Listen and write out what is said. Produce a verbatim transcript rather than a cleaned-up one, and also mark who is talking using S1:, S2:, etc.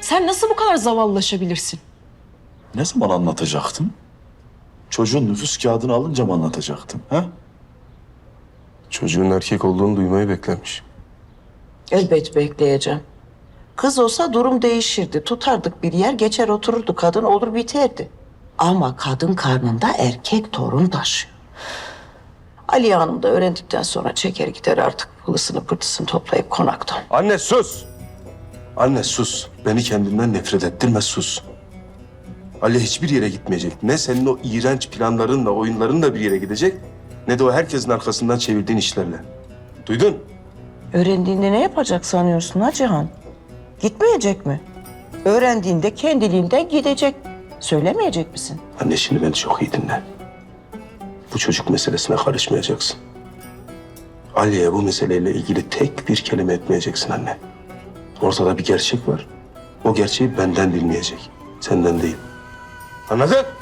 S1: sen nasıl bu kadar zavallılaşabilirsin?
S2: Ne zaman anlatacaktın? Çocuğun nüfus kağıdını alınca mı anlatacaktın? Ha?
S3: Çocuğun erkek olduğunu duymayı beklemiş.
S4: Elbet bekleyeceğim. Kız olsa durum değişirdi. Tutardık bir yer, geçer otururdu kadın, olur biterdi. Ama kadın karnında erkek torun taşıyor. Aliye Hanım da öğrendikten sonra çeker gider artık pılısını pırtısını toplayıp konaktan.
S3: Anne sus! Anne sus. Beni kendinden nefret ettirme, sus. Ali hiçbir yere gitmeyecek. Ne senin o iğrenç planlarınla, oyunlarınla bir yere gidecek... ...ne de o herkesin arkasından çevirdiğin işlerle. Duydun?
S4: Öğrendiğinde ne yapacak sanıyorsun ha Cihan? Gitmeyecek mi? Öğrendiğinde kendiliğinden gidecek. Söylemeyecek misin?
S3: Anne şimdi beni çok iyi dinle. Bu çocuk meselesine karışmayacaksın. Ali'ye bu meseleyle ilgili tek bir kelime etmeyeceksin anne. Ortada bir gerçek var. O gerçeği benden bilmeyecek. Senden değil. Anladın?